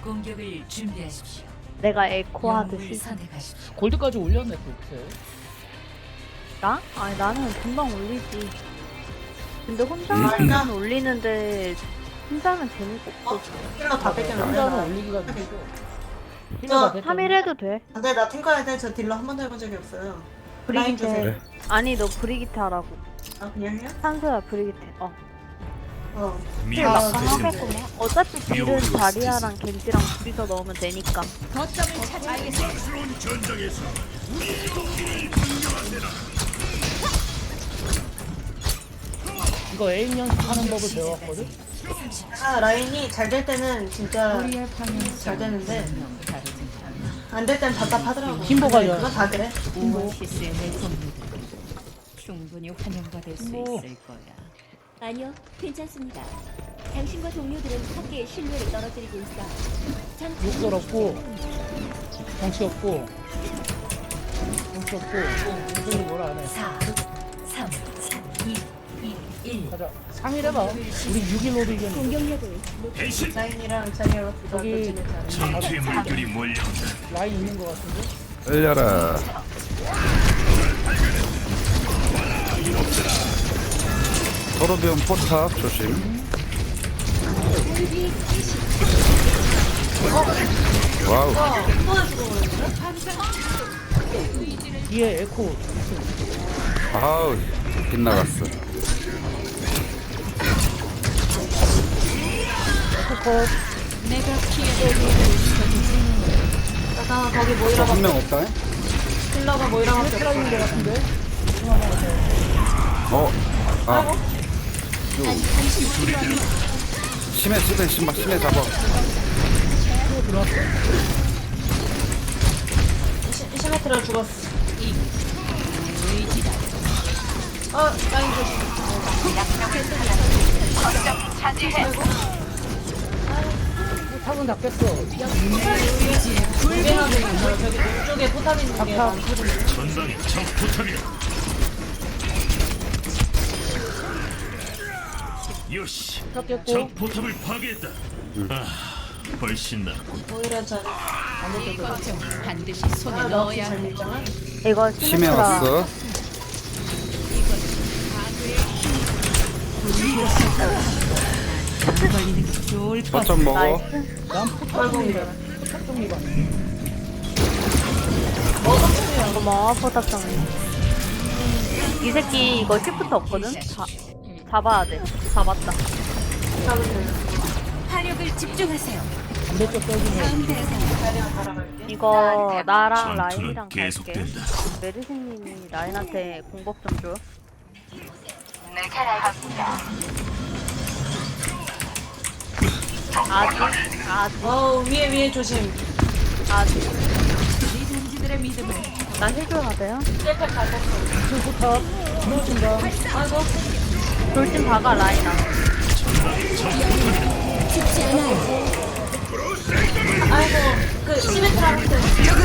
공격을 준비하십시오. 내가 에코 영웅을 하듯이. 선택하십시오. 골드까지 올렸네 그렇게. 나? 아니 나는 금방 올리지. 근데 혼자만 올리는데 혼자는 재미가 없어. 힐러 다 뺏겼는데. 혼자는 나. 올리기가 힘들고. 저 힐러가 3일 해도 돼. 근데 나 탱커할 때 저 딜러 한 번도 해본 적이 없어요. 라인 브리기테. 주세요. 그래. 아니 너 브리기테 하라고. 아 그냥 해요? 산소야 브리기테. 힐 아, 막상 하겠구만. 어차피 딜은 자리아랑 겐지랑 둘이서 넣으면 되니까. 거점을 찾아야겠어. 이거 에임 연습하는 법을 배웠거든. 라인이 잘 될 때는 진짜 우리의 방향 잘 되는데 다르지. 안 될 땐 답답하더라고. 힘보가 근데 요. 그거 다 그래. 오아시스의 내성들은 충분히 환영받을 수 힘보. 있을 거야. 아니요, 괜찮습니다. 당신과 동료들은 학계의 신뢰를 떨어뜨리고 있어. 전 욕설 없고 정치 없고 정치 없고 무슨 뭐라 안 해. 4, 3, 2, 1. 가자. 3일 해봐. 우리 6일로도 이겼는데. 공격력을 라인이랑 자리아가 둘다 저기- 던지는 라인 있는 것 같은데. 열려라. 토르비온 포탑 조심. 와우. 뒤에 에코. 아우 빗나갔어. 에코컷. 내가 피해를 잠깐 거기 모이라 한 명 없다. 힐러가 모이라밖에 없어. 트라이인 것 같은데. 어. 아. 심해 심해 심해 심해 잡아. 시메트라 죽었어. 라인 조심. 탑은 다 깼어. 유행하고 있는 거야. 저기 이쪽에 포탑 있는 게 많거든요. 요시, 탑 깼고. 적 포탑을 파괴했다. 아, 훨씬 낫군. 모이라 전. 거점 반드시 손에 아, 넣어야 잘 해. 밀잖아. 이거 심해 시메트라. 왔어. 안 걸리는 게 좋을 것 같아. 거점 먹어. 나이스. 난 포탑 정리가. 포탑 정리가. 고마워 포탑 정리. 이 새끼 이거 시프트 없거든? 잡아야 돼. 잡았다. 화력을 집중하세요. 반대쪽 떨기네. 다음 대상 이거 나랑 전투는 라인이랑 갈게. 계속된다. 메르시님이 라인한테 공법 좀 줘. 아직 위에 조심. 리전지들의 믿음을 나 해줘야 돼요? 셀카 다 썼어. 포탑. 들어준다. 아이고. 돌진 박아 라인아. 아이고. 그 시메트라한테.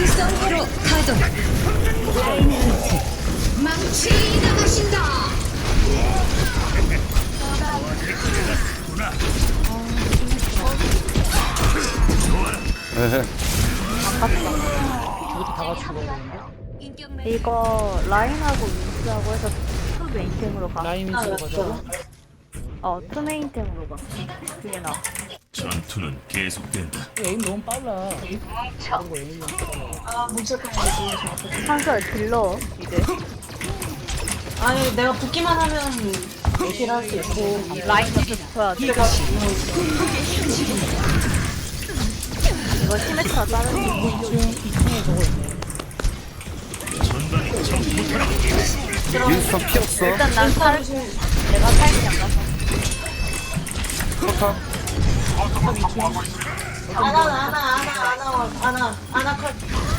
에헤. 이것도 다 같이 죽어야 되는데. 이거 라인하고 윈스하고 해서 투 메인템으로 가. 라인 위주로 가자고. 투 메인템으로 가. 그게 나. 전투는 계속된다. 에임 너무 빨라. 그런 거 에임 너무 빨라. 뭉칠까 봐. 한솔 딜러 이제. 아니 내가 붙기만 하면 딜할 수 있고. 라인 옆에 붙어야 돼. 내가 이거 시메트라 자르는 거. 2층에 저거 있네. 전방에 적 포탑이 윈스턴 피 없어. 일단 난 살. 내가 살기 안 가서. 포탑. 아나 컷.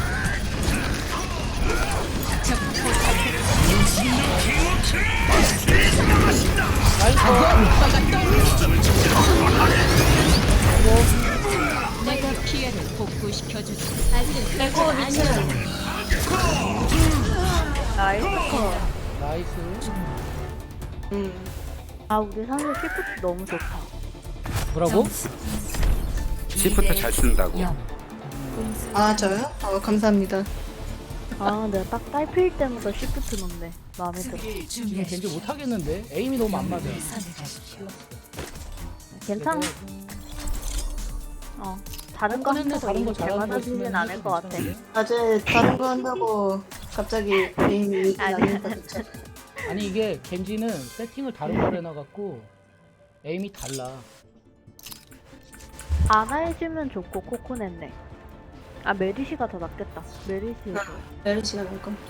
내가 피해를 복구시켜주지. 아직은 내코 위치는 나이스 컷. 나이스. 아 우리 산소 시프트 너무 좋다. 뭐라고? 시프트 잘 쓴다고. 아 저요? 감사합니다. 아 내가 딱 딸필 때마다 시프트 넣네. 마음에 들어. 지금 겐지 못하겠는데? 에임이 너무 안 맞아. 괜찮아. 다른 거 꺼냈네, 한다고 다른 거 이미 잘 잘하는 거 맞아지진 있으면 않을 것 같아. 괜찮은데? 어제 다른 거 한다고 갑자기 게임이 나니까 그쵸? 아니 이게 겐지는 세팅을 다른 걸 해놔갖고 에임이 달라. 아나 해주면 좋고 코코넷네. 아 메리시가 더 낫겠다. 메리시 메르시가 될 거.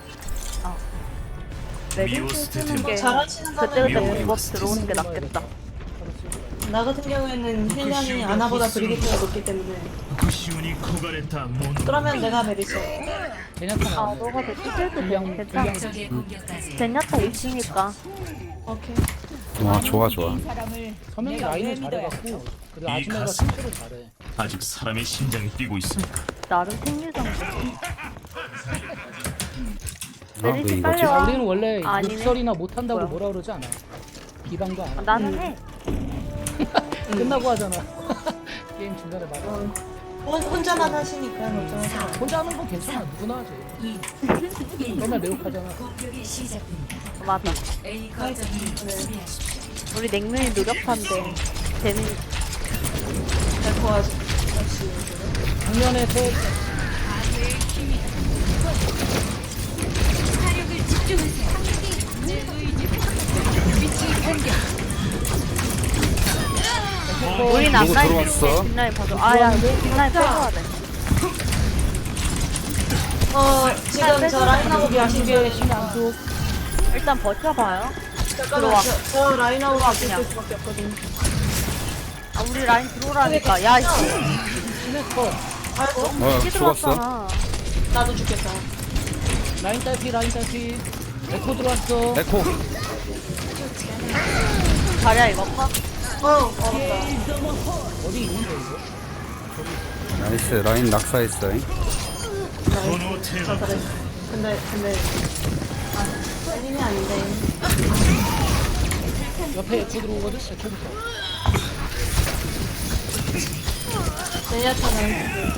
메리시 쓰는 게 잘하시는 그때그때 거면 공법 들어오는 게 낫겠다. 나 같은 경우에는 힐량이 아나보다 브리기트가 높기 때문에 구시온이 코가레타 몬. 그러면 내가 메르시. 제냐타 아 나오네. 너가 대치해도 분량 괜찮아. 제냐타 있으니까. 오케이. 와 좋아 좋아. 서명이 라인을 잘해갖고 그리고 이 아즈메가 가슴. 실수를 잘해. 아직 사람의 심장이 뛰고 있습니다. 나름 생리정. 왜 메리시 이거지? 빨리 아, 와. 우리는 원래 아니네. 욕설이나 못한다고 뭐야? 뭐라 그러지 않아. 비방도 안 하고. 나는 해. 끝나고 하잖아. 게임 중간에 말해. 혼자만 하시니까 걱정하지 마. 혼자 하는 건 괜찮아. 누구나 하지. 맨날 매혹하잖아. 맞아. 우리 냉면이 노력한데 쟤는 잘 도와줘. 작년에 새 사력을 집중하세요. 내 의지 빛을 공격. 우린 누구 앞라인 들어왔어? 밀게 뒷라인 봐줘. 아야 뒷라인 빼줘야 돼. 지금 저 라인하고 안쪽에 계신데 신안 쪽. 일단 버텨봐요. 잠깐만 저 라인하고 같이 그냥. 있을 수밖에 없거든. 아 우리 라인 들어오라니까. 야 이씨. 시네커. 아이고 이게 죽었어? 들어왔잖아. 나도 죽겠다. 라인 딸피 라인 딸피. 에코 들어왔어. 에코. 자리야 이거 파. 얼었다. 어디 있는데 이거? 나이스 라인 낙사했어. 번호 테마. 그래. 근데 힘이 아닌데. 옆에 에코 들어오거든. 에코부터. 제냐타는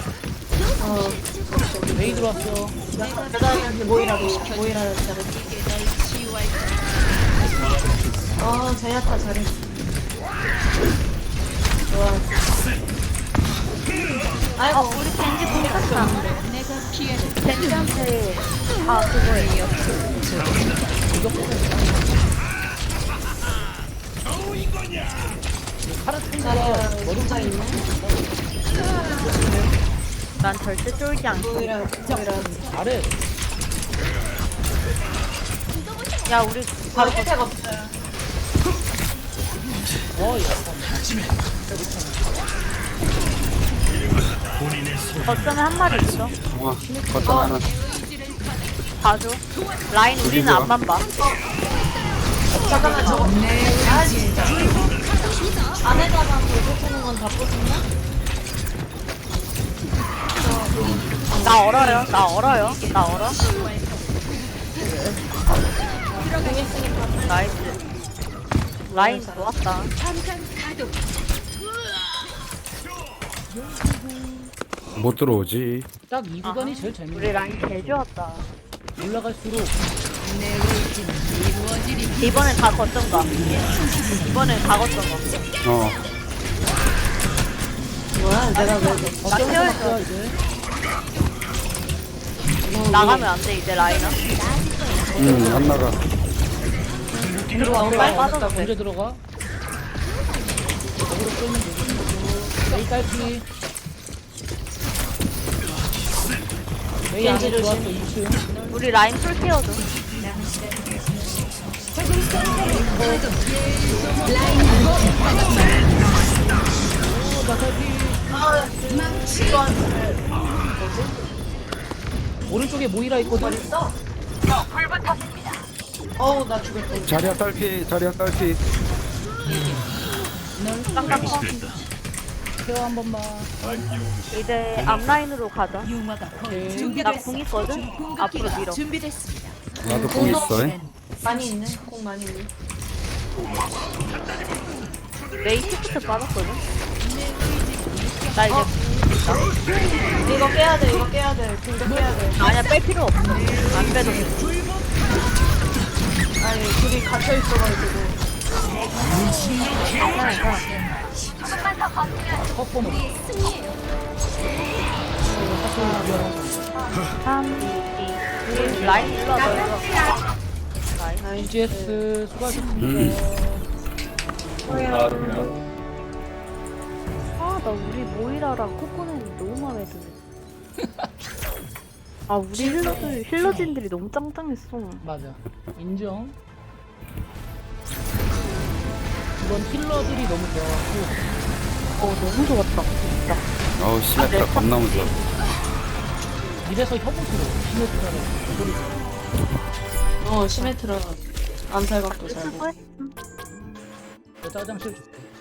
메이 들어왔어. 여자한테 모이라고 잘해. 제냐타 잘해. 좋아. 아이고 우리 겐지 공격했다. 내가 피해를 겐지한테 다 그거예요. 파라틴가 진짜 있네. 난 절대 쫄지 않고. 모이라. 잘해. 야 우리 바로 혜택 없어요. 본인의 손. 거점에 한 마리 있어. 와 거점 하나. 봐줘. 라인 우리는 좋아. 앞만 봐. 잠깐만 저거. 아 진짜. 안에다가 돌려주는 건 다 뽑았나? 나 얼어요. 나 얼어요. 나 얼어. 나이스. 라인 좋았다. 못 들어오지. 딱 이 구간이 제일 우리 재밌네. 라인 개 좋았다. 올라갈수록 내 의지는 이루어지리. 이번엔 다 거점 가. 이번엔 다 거점 가. 뭐야 내가 왜 나 케어해줘. 거야 이제. 나가면 안 돼 이제 라인아. 안 나가. 들어와. 빨리 빠져도 돼. 언제 들어가? 여기로 쏘면 되지. 메이 딸피. 메이 안에 겐지 들어왔어 조심. 2층. 우리 라인 풀 케어줘. 오른쪽에 모이라 있거든. 어우 나 죽을 자리야 딸피 자리야 딸피. 깡깡커. 됐다. 케어 한 번만. 이제 앞라인으로 가자. 융화가 거의 오케이. 나 준비됐어. 궁 있거든. 앞으로 밀어. 준비됐습니다. 나도 공 있어. 많이 있네. 꼭 많이 있네. 메이 시프트 빠졌거든. 나 이제 이거 깨야 돼, 이거 깨야 돼. 공격 깨야 돼. 아니야 뺄 필요 없어. 안 빼도 돼. 아니, 둘이 갇혀 있어가지고. 컵 보면 3, 2, 1. 라인 일로 와봐. 라인. GS 수고하셨습니다. 아, 나 우리 모이라랑 코코넛이 너무 마음에 드네. 아, 우리 힐러진들이 너무 짱짱했어. 맞아. 인정. 이번 힐러들이 너무 좋아하고 너무 좋았다, 진짜. 어우 시메트라 겁나 무서워. 이래서 협업으로 시메트라는 소리죠. 시메트라 암살각도 잘 보고. 수고했어. 여자 화장실 줄게.